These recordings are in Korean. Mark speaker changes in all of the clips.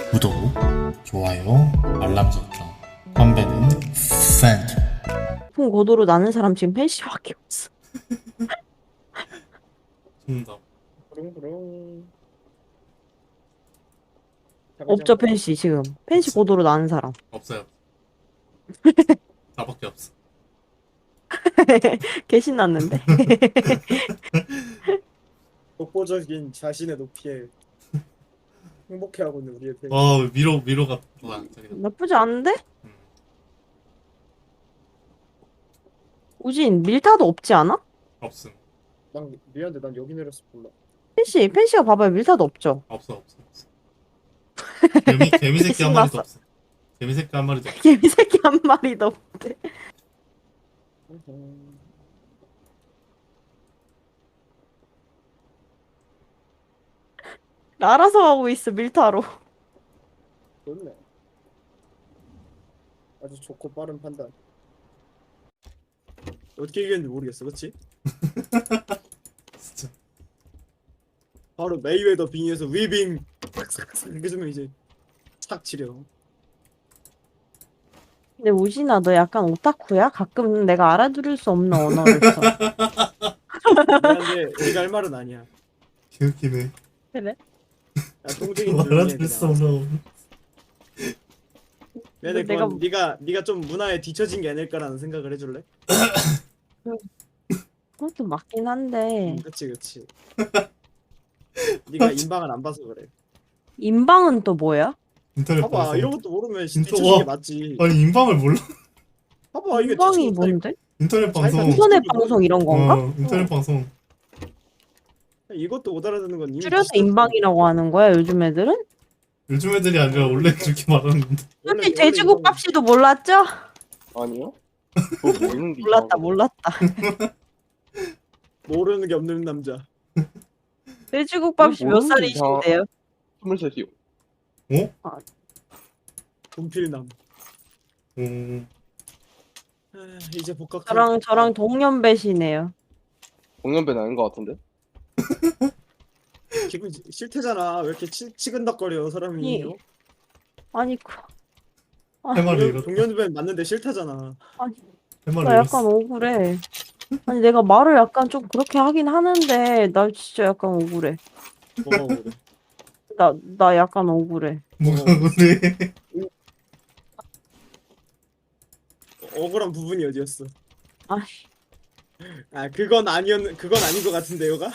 Speaker 1: 구독, 좋아요, 알람 설정. 건배는 팬트.
Speaker 2: 높은 고도로 나는 사람 지금 펜시밖에 없어.
Speaker 1: 정답.
Speaker 3: 부릉부릉. 자가지
Speaker 2: 없죠,
Speaker 3: 않고.
Speaker 2: 펜시 지금. 펜시
Speaker 1: 없어.
Speaker 2: 고도로 나는 사람.
Speaker 1: 없어요. 나밖에 없어.
Speaker 2: 개 신났는데?
Speaker 3: 독보적인 자신의 높이에 행복해하고 있는 우리의 팬.
Speaker 1: 미로가 뭐야? 저기다.
Speaker 2: 나쁘지 않은데?
Speaker 1: 음,
Speaker 2: 우진, 밀타도 없지 않아?
Speaker 1: 없음.
Speaker 3: 난 미안한데 난 여기 내려서 몰라.
Speaker 2: 펜시가 봐봐요. 밀타도 없죠?
Speaker 1: 없어. 개미 새끼 한 마리도
Speaker 2: 신났어.
Speaker 1: 없어. 개미 새끼 한 마리도 없어.
Speaker 2: 개미 새끼 한 마리도 없대. 알아서 하고 있어, 밀타로.
Speaker 3: 좋네. 아주 좋고 빠른 판단. 어떻게 이겼는지 모르겠어, 그렇지?
Speaker 1: 진짜.
Speaker 3: 바로 메이웨더 빙의에서 위빙 싹싹싹 이렇게 주면 이제 착 치려.
Speaker 2: 근데 우진아, 너 약간 오타쿠야? 가끔 내가 알아들을 수 없는 언어를 써.
Speaker 3: 미안한데 네가 할 말은 아니야.
Speaker 1: 개웃기네.
Speaker 2: 그래?
Speaker 3: 야, 동생이 조용히 해
Speaker 1: 알아들을 수
Speaker 3: 그냥.
Speaker 1: 없는.
Speaker 3: 미안해,
Speaker 2: 내가-
Speaker 3: 그건 네가 좀 문화에 뒤처진 게 아닐까라는 생각을 해줄래?
Speaker 2: 그것도 맞긴 한데.
Speaker 3: 그치. 네가 인방을 안 봐서 그래.
Speaker 2: 인방은 또 뭐야?
Speaker 1: 인터넷
Speaker 3: 봐봐,
Speaker 1: 방송.
Speaker 3: 이런 것도 모르면
Speaker 1: 진짜
Speaker 3: 뒤처진 게
Speaker 1: 와.
Speaker 3: 맞지.
Speaker 1: 아니 인방을 몰라?
Speaker 3: 봐봐, 이게
Speaker 2: 인방이
Speaker 3: 뒤처진
Speaker 2: 뭔데?
Speaker 1: 인터넷 방송.
Speaker 3: 자기가
Speaker 2: 인터넷 방송 이런 건가?
Speaker 1: 인터넷 방송.
Speaker 3: 이것도 못 알아듣는 건 이미
Speaker 2: 줄여서
Speaker 3: 뒤처진
Speaker 2: 인방이라고 하는 거야, 요즘 애들은?
Speaker 1: 요즘 애들이 아니라 원래 그렇게 말하는데.
Speaker 2: 솔직히 돼지국밥 씨도 몰랐죠?
Speaker 4: 아니요? 그거 모르는 게
Speaker 2: 몰랐다.
Speaker 3: 모르는 게 없는 남자.
Speaker 2: 돼지국밥 씨 몇
Speaker 4: 모르는 게
Speaker 2: 살이신데요?
Speaker 4: 23이요.
Speaker 3: 분필남.
Speaker 1: 음,
Speaker 3: 이제 복학.
Speaker 2: 저랑 동년배시네요.
Speaker 4: 공연배는 아닌 것 같은데?
Speaker 3: 기분 싫대잖아. 왜 이렇게 치근덕거려 사람이.
Speaker 2: 아니, 아니,
Speaker 1: 할 말을 잃었다.
Speaker 3: 동년배 맞는데 싫다잖아.
Speaker 2: 아니,
Speaker 1: 할 말을
Speaker 2: 나 약간
Speaker 1: 잃었어.
Speaker 2: 억울해. 아니, 내가 말을 약간 좀 그렇게 하긴 하는데, 나 진짜 약간 억울해.
Speaker 3: 뭐가 그래.
Speaker 2: 나 약간 억울해.
Speaker 1: 뭐가 그래?
Speaker 3: 억울한 부분이 어디였어?
Speaker 2: 아니.
Speaker 3: 그건 아닌 것 같은데 요가?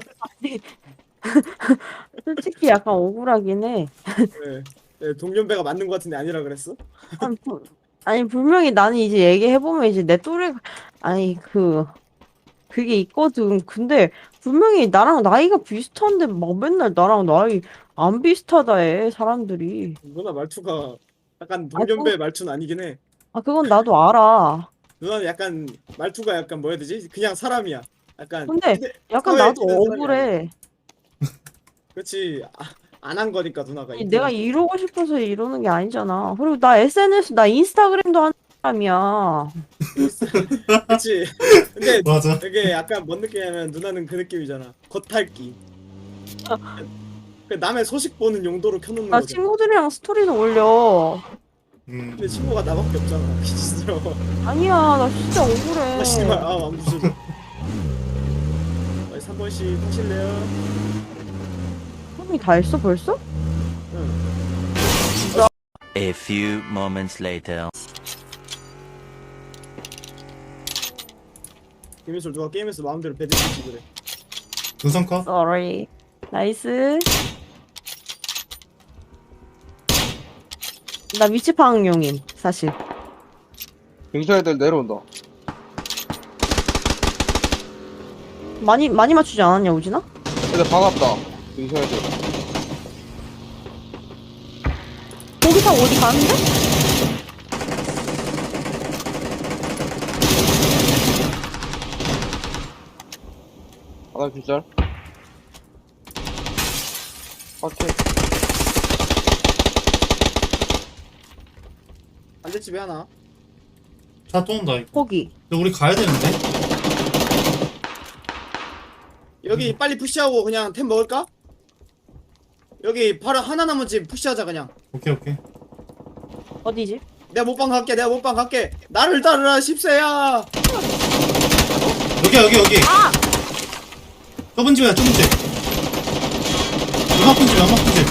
Speaker 2: 솔직히 약간 억울하긴 해.
Speaker 3: 네, 동년배가 맞는 것 같은데 아니라 그랬어?
Speaker 2: 아니, 분명히 나는 이제 얘기해보면 이제 내 또래, 아니, 그게 있거든. 근데 분명히 나랑 나이가 비슷한데 막 맨날 나랑 나이 안 비슷하다 해, 사람들이.
Speaker 3: 누나 말투가 약간 동년배 말투는 아니긴 해.
Speaker 2: 아, 그건 나도 알아.
Speaker 3: 누나는 약간 말투가 약간 뭐야 되지? 그냥 사람이야. 약간
Speaker 2: 근데 약간
Speaker 3: 사회에
Speaker 2: 나도
Speaker 3: 끼는 사람이 아니야.
Speaker 2: 억울해.
Speaker 3: 그렇지. 안 한 거니까 누나가.
Speaker 2: 아니, 내가 이러고 싶어서 이러는 게 아니잖아. 그리고 나 SNS, 나 인스타그램도 하는 사람이야.
Speaker 3: 그렇지. 근데
Speaker 1: 맞아.
Speaker 3: 되게 약간 뭔 느낌이냐면 누나는 그 느낌이잖아. 겉핥기. 그 남의 소식 보는 용도로 켜놓는
Speaker 2: 나
Speaker 3: 거잖아.
Speaker 2: 친구들이랑 스토리도 올려.
Speaker 3: 근데 친구가 나밖에 없잖아. 진짜.
Speaker 2: 아니야, 나 진짜 억울해.
Speaker 3: 씨발, 안 부셔져. 3번씩 하실래요?
Speaker 2: 형이 다 했어, 벌써?
Speaker 3: 응.
Speaker 5: A few moments later.
Speaker 3: 김민솔 누가 게임에서 마음대로 배드시지 그래.
Speaker 1: 두성 컷?
Speaker 2: Sorry. 나이스. 나 위치파악용임, 사실.
Speaker 4: 경찰 애들 내려온다.
Speaker 2: 많이 맞추지 않았냐, 우진아?
Speaker 4: 애들 반갑다. 경찰 애들.
Speaker 2: 거기 다 어디 가는데?
Speaker 4: 하나 경찰. 오케이.
Speaker 3: 반대집에 하나.
Speaker 1: 차 또 온다. 이거.
Speaker 2: 거기.
Speaker 1: 근데 우리 가야 되는데?
Speaker 3: 여기 빨리 푸시하고 그냥 템 먹을까? 여기 바로 하나 남은 집 푸시하자 그냥.
Speaker 1: 오케이 오케이.
Speaker 2: 어디지?
Speaker 3: 내가 못방 갈게. 내가 못방 갈게. 나를 따르라 10세야.
Speaker 1: 여기.
Speaker 2: 아!
Speaker 1: 좁은 집이야 좁은 집. 연막픈 집 연막픈 집.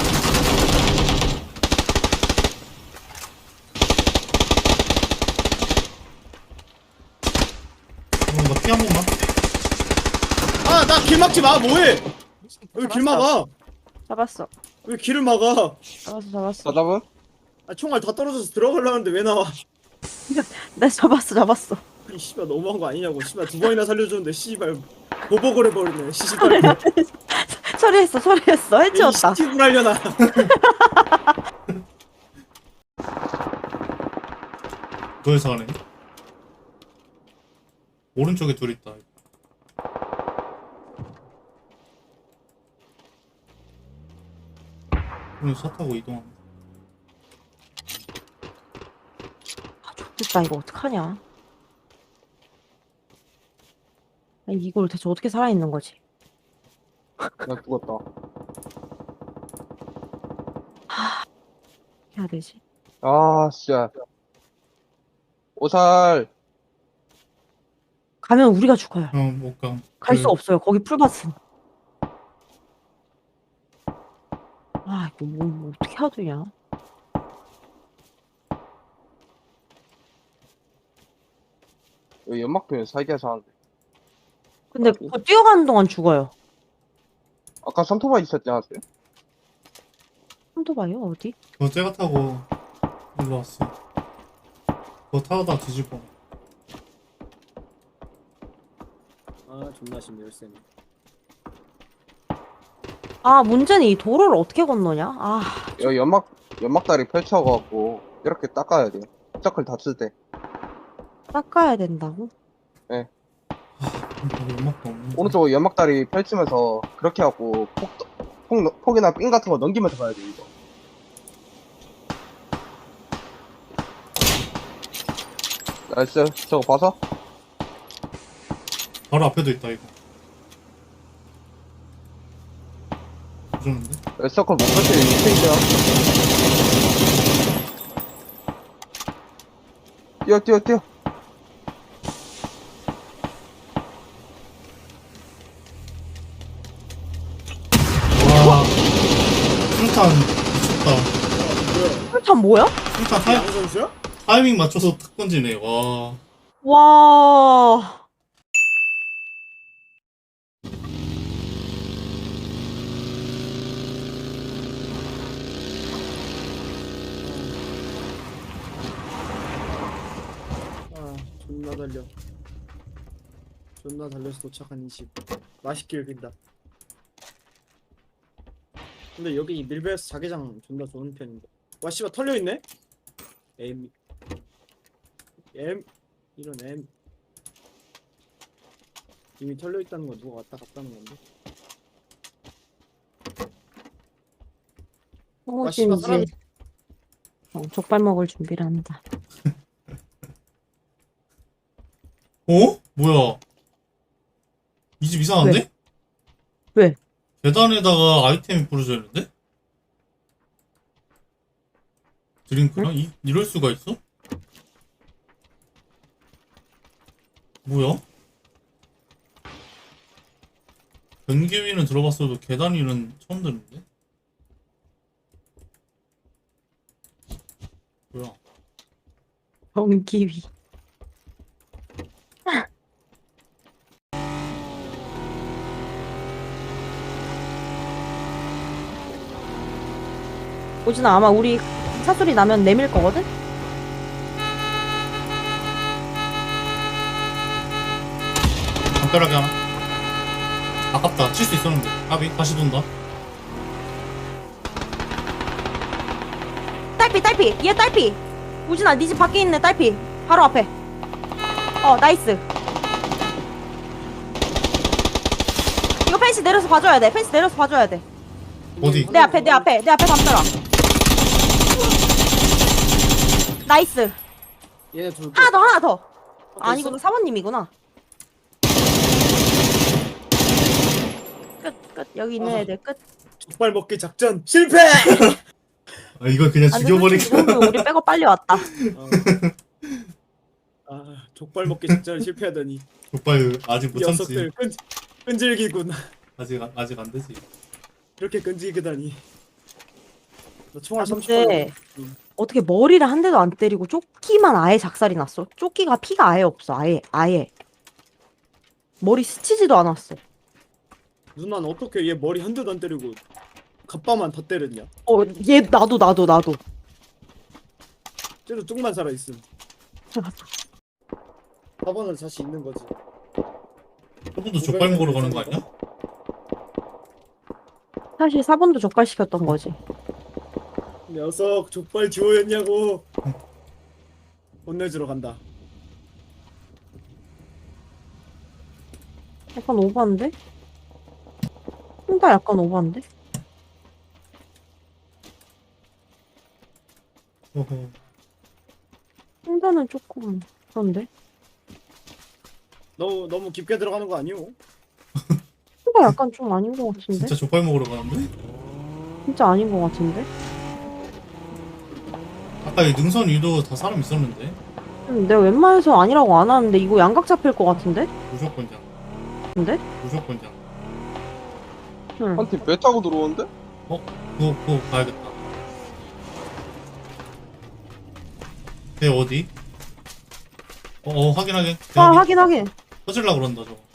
Speaker 1: 나피 한 번만.
Speaker 3: 아 나 길 막지 마. 뭐해? 왜 길 막아?
Speaker 2: 잡았어.
Speaker 3: 왜 길을 막아?
Speaker 2: 잡았어.
Speaker 4: 사답은?
Speaker 3: 아, 총알 다 떨어져서 들어가려는데 왜 나와?
Speaker 2: 네, 잡았어.
Speaker 3: 이 씨발 너무한 거 아니냐고. 씨발 두 번이나 살려줬는데 씨발 보복을 해버리네. 씨발.
Speaker 2: 처리했어. 해치웠다.
Speaker 3: 시집을 하려나?
Speaker 1: 그래서 하네. 오른쪽에 둘 있다. 그럼 차 타고 이동하면.
Speaker 2: 됐다, 이거 어떡하냐. 아니, 이걸 대체 어떻게 살아있는 거지?
Speaker 4: 나 죽었다.
Speaker 2: 어떻게 해야 되지?
Speaker 4: 아, 진짜. 오살.
Speaker 2: 가면 우리가 죽어요.
Speaker 1: 못 가.
Speaker 2: 갈 수 없어요. 거기 풀밭은. 아, 이거 뭐 어떻게 해야 되냐?
Speaker 4: 여기 연막편에 살기해서 하는데.
Speaker 2: 근데 그거 뛰어가는 동안 죽어요.
Speaker 4: 아까 삼토바이 있었지 않았어요?
Speaker 2: 한도 봐요, 어디?
Speaker 1: 그거 제가 타고 일로 왔어. 그거 타다 뒤집어.
Speaker 3: 아 존나 심해 열쇠네.
Speaker 2: 아, 문제는 이 도로를 어떻게 건너냐? 아,
Speaker 4: 여기 연막다리 펼쳐갖고, 이렇게 닦아야 돼요. 서클 닫을 때.
Speaker 2: 닦아야 된다고?
Speaker 1: 음악도 없는.
Speaker 4: 오른쪽 연막다리 펼치면서, 그렇게 해갖고, 폭이나 삥 같은 거 넘기면서 가야 돼, 이거. 나이스. 저거 봐서?
Speaker 1: 바로 앞에도 있다 이거. 부셨는데?
Speaker 4: 서클 못 펼치는 이 스테이지야. 뛰어.
Speaker 1: 와. 술탄 미쳤다.
Speaker 3: 뭐야?
Speaker 2: 풀탄 뭐야?
Speaker 1: 술탄
Speaker 3: 양 선수야?
Speaker 1: 타이밍 맞춰서 탁 던지네. 와.
Speaker 2: 와.
Speaker 3: 아 존나 달려. 존나 달려서 도착한 이 집. 맛있길 빈다. 근데 여기 이 밀베스 자개장 존나 좋은 편인데. 와 씨발 털려 있네. M 이런 M 이미 털려 있다는 거 누가 왔다 갔다는 건데. 와 씨발 사람
Speaker 2: 이제 족발 먹을 준비를 한다.
Speaker 1: 어? 뭐야? 이 집 이상한데?
Speaker 2: 왜?
Speaker 1: 계단에다가 아이템이 부러져 있는데? 드링크랑? 이럴 수가 있어? 뭐야? 변기 위는 들어봤어도 계단 위는 처음 듣는데? 뭐야?
Speaker 2: 전기 위. 오진아, 아마 우리 차 소리 나면 내밀 거거든?
Speaker 1: 담벼락에 하나. 아깝다. 칠 수 있었는데. 아비 다시 돈다.
Speaker 2: 딸피! 얘 딸피! 우진아, 네 집 밖에 있네, 딸피. 바로 앞에. 나이스. 이거 펜시 내려서 봐줘야 돼.
Speaker 1: 어디?
Speaker 2: 내 앞에 담벼락. 나이스.
Speaker 3: 얘네 둘
Speaker 2: 하나 더. 아니구나, 사모님이구나. 끝. 여기 있는
Speaker 3: 아.
Speaker 2: 애들 끝.
Speaker 3: 족발 먹기 작전 실패.
Speaker 1: 아, 이걸 그냥
Speaker 2: 안 돼, 솔직히 이
Speaker 1: 죽여버릴까?
Speaker 2: 정도면 우리 백업 빨리 왔다.
Speaker 3: 어. 아 족발 먹기 작전 실패하더니
Speaker 1: 족발 아직
Speaker 3: 이
Speaker 1: 못 참지.
Speaker 3: 녀석들 끈질기군.
Speaker 1: 아직 안 되지.
Speaker 3: 이렇게 끈질기다니. 나 총알
Speaker 2: 아,
Speaker 3: 30발.
Speaker 2: 근데 어떻게 머리를 한 대도 안 때리고 조끼만 아예 작살이 났어. 조끼가 피가 아예 없어. 아예. 머리 스치지도 않았어.
Speaker 3: 누나는 어떻게 얘 머리 한 대도 안 때리고 갑바만 다 때렸냐?
Speaker 2: 얘 나도.
Speaker 3: 쟤도 뚝만 살아 있음. 4번은 자신 있는 거지.
Speaker 1: 저분도 족발 먹으러 가는 거 아니야?
Speaker 2: 사실 4번도 족발시켰던 거지.
Speaker 3: 녀석 족발 지호였냐고. 혼내주러 간다.
Speaker 2: 약간 오버인데? 혼자 약간 오버인데?
Speaker 1: 어허.
Speaker 2: 혼자는 조금 그런데?
Speaker 3: 너무 깊게 들어가는 거 아니오?
Speaker 2: 혼자 약간 좀 아닌 것 같은데?
Speaker 1: 진짜 족발 먹으러 가는데?
Speaker 2: 진짜 아닌 것 같은데?
Speaker 1: 아까 이 능선 위도 다 사람 있었는데?
Speaker 2: 내가 웬만해서 아니라고 안 하는데 이거 양각 잡힐 것 같은데?
Speaker 1: 무조건장.
Speaker 2: 근데?
Speaker 1: 무조건장.
Speaker 2: 응.
Speaker 4: 한 팀 배 타고 들어오는데?
Speaker 1: 그거 가야겠다. 배 어디? 확인. 배
Speaker 2: 아, 확인.
Speaker 1: 터질라 그런다, 저거.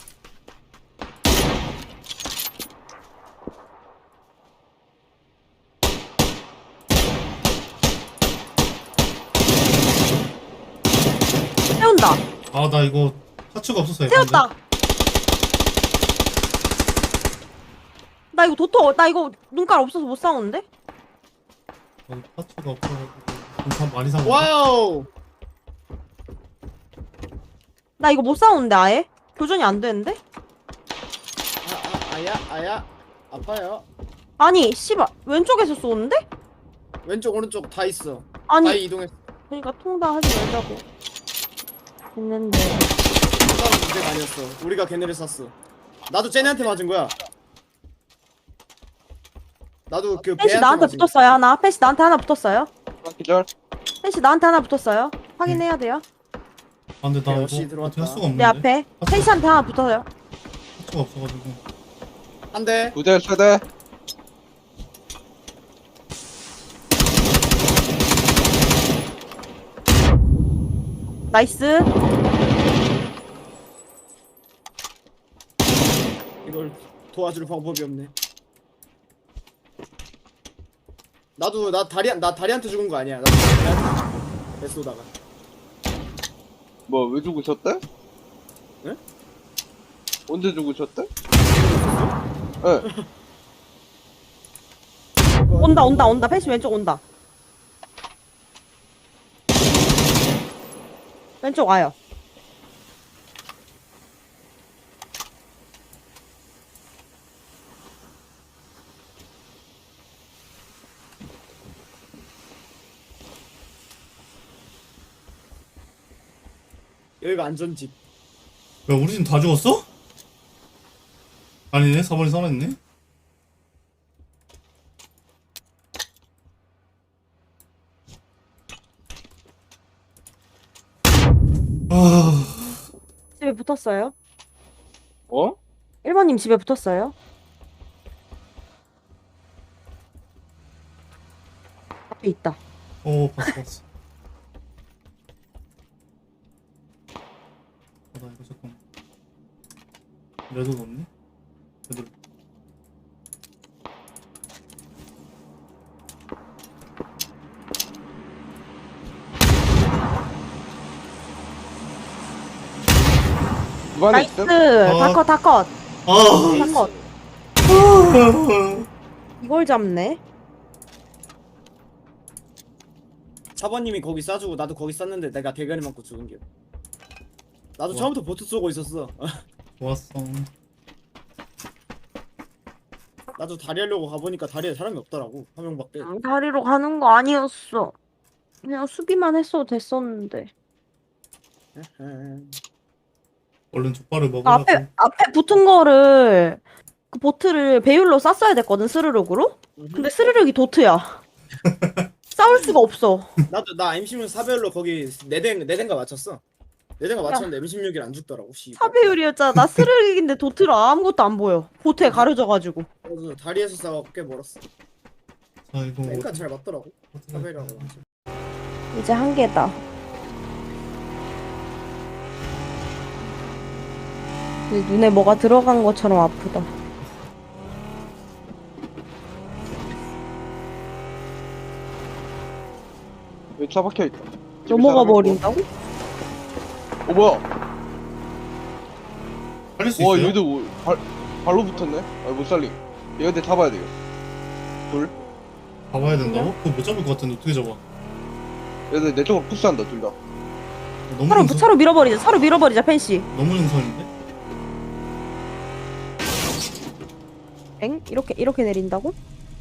Speaker 2: 세운다.
Speaker 1: 아, 나 이거 파츠가 없어서
Speaker 2: 세웠다. 나 이거 나 이거 눈깔 없어서 못 싸우는데?
Speaker 1: 파츠가 없어가지고 참 많이 산 거.
Speaker 3: 와우.
Speaker 2: 나 이거 못 싸우는데 아예? 교전이 안 되는데?
Speaker 3: 아야 아파요.
Speaker 2: 아니 씨발 왼쪽에서 쏘는데?
Speaker 3: 왼쪽 오른쪽 다 있어. 다
Speaker 2: 아니
Speaker 3: 이동했어.
Speaker 2: 그러니까 통과하지 말자고 했는데
Speaker 3: 싸움 문제가 아니었어. 우리가 걔네를 쐈어. 나도 쟤네한테 맞은 거야. 나도 그
Speaker 2: 펜시
Speaker 3: 배한테
Speaker 2: 나한테
Speaker 3: 맞은 거야.
Speaker 2: 붙었어요 하나 펜시 나한테 하나 붙었어요
Speaker 4: 한 기절.
Speaker 2: 펜시 나한테 하나 붙었어요 확인해야 돼요
Speaker 1: 아, 근데 나
Speaker 3: 역시
Speaker 1: 이거
Speaker 3: 들어왔다.
Speaker 1: 어떻게 할 수가
Speaker 2: 내
Speaker 1: 없는데?
Speaker 2: 앞에 펜시한테 하나 붙어요
Speaker 1: 파츠가 없어가지고.
Speaker 3: 한 대.
Speaker 4: 2대, 3대.
Speaker 2: 나이스
Speaker 3: 이걸 도와줄 방법이 없네. 나도 나 다리한테 죽은 거 아니야. 나도 다리한테 배 쏘다가.
Speaker 4: 뭐, 왜 죽으셨대?
Speaker 3: 네?
Speaker 4: 언제 죽으셨대? 예.
Speaker 2: 온다 펜시 왼쪽 온다 왼쪽 와요
Speaker 3: 여기가 안전집.
Speaker 1: 야, 우리 팀 다 죽었어? 아니네, 4번이 살아있네. 아,
Speaker 2: 집에 붙었어요
Speaker 4: 어?
Speaker 2: 1번님 집에 붙었어요 앞에 있다
Speaker 1: 봤어. 나 이거 잠깐. 레드도 없네? 레드.
Speaker 4: 집안에
Speaker 2: 나이스
Speaker 4: 있음?
Speaker 2: 다컷
Speaker 1: 아,
Speaker 2: 다컷 이걸 잡네
Speaker 3: 4번님이 거기 쏴주고 나도 거기 쐈는데 내가 대가리 맞고 죽은 게. 나도
Speaker 1: 우와.
Speaker 3: 처음부터 보트 쏘고 있었어.
Speaker 1: 좋았어.
Speaker 3: 나도 다리 하려고 가보니까 다리에 사람이 없더라고. 한 명밖에.
Speaker 2: 다리로 가는 거 아니었어 그냥 수비만 했어도 됐었는데
Speaker 1: 얼른 족발을
Speaker 2: 앞에
Speaker 1: 먹으라고.
Speaker 2: 앞에 붙은 거를 그 그 보트를 배율로 쐈어야 됐거든, 스르륵으로. 근데 스르륵이 도트야. 싸울 수가 없어.
Speaker 3: 나도 나 M16 사별로 거기 네덴가 맞췄어. 네덴가 맞췄는데 M16이 안 죽더라고. 씨.
Speaker 2: 사배율이었잖아. 나 스르륵인데 도트로 아무것도 안 보여. 보트에 가려져가지고.
Speaker 3: 그래서 다리에서 싸워 꽤 멀었어.
Speaker 1: 자 이거
Speaker 3: 그러니까 잘 맞더라고.
Speaker 1: 어떻게
Speaker 3: 사별이라고.
Speaker 2: 이제 한 개다. 눈에 뭐가 들어간 것처럼 아프다.
Speaker 4: 여기 차 박혀있다.
Speaker 2: 넘어가 버린다고?
Speaker 4: 뭐야?
Speaker 1: 살릴 수
Speaker 4: 와
Speaker 1: 있어요?
Speaker 4: 얘도 발로 붙었네? 아 못 살림. 얘한테 잡아야 돼요. 둘.
Speaker 1: 잡아야 된다고? 그거 못 잡을 것 같은데 어떻게 잡아?
Speaker 4: 얘들 내 쪽으로 푸시한다 둘 다.
Speaker 1: 너무
Speaker 2: 차로,
Speaker 1: 능선,
Speaker 2: 차로 밀어버리자. 차로 밀어버리자, 펜시.
Speaker 1: 너무 능선인데?
Speaker 2: 엥? 이렇게 내린다고?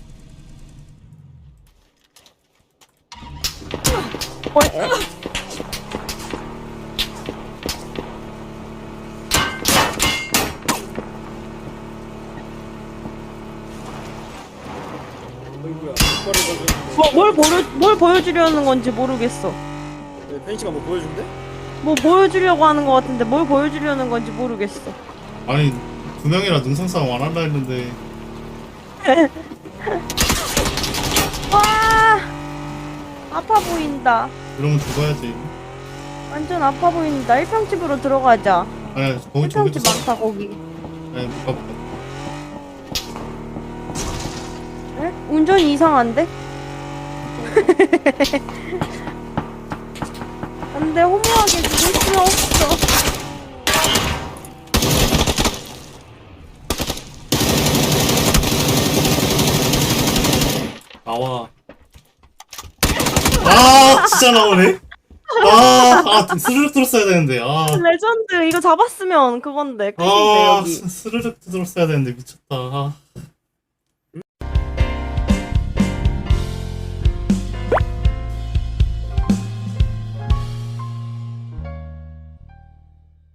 Speaker 2: 에?
Speaker 3: 어이구야. 이거를
Speaker 2: 뭘 보여주려는 건지 모르겠어.
Speaker 3: 펜시가 뭐 보여준대?
Speaker 2: 뭐 보여주려고 하는 것 같은데 뭘 보여주려는 건지 모르겠어.
Speaker 1: 아니 두 명이라 능선 싸움 안 한다 했는데
Speaker 2: 와! 아파 보인다.
Speaker 1: 이러면 죽어야지.
Speaker 2: 완전 아파 보인다. 1평집으로 들어가자.
Speaker 1: 아니 거기 저기도
Speaker 2: 1평집
Speaker 1: 싸.
Speaker 2: 많다, 거기.
Speaker 1: 아니 못 가볼까.
Speaker 2: 응? 운전이 이상한데? 안돼, 허무하게 죽을 수 없어.
Speaker 1: 나와. 아 진짜 나오네. 아 스르륵 들었어야 되는데.
Speaker 2: 레전드. 이거 잡았으면 그건데. 끝인데,
Speaker 1: 아
Speaker 2: 여기.
Speaker 1: 스르륵 들었어야 되는데 미쳤다. 아.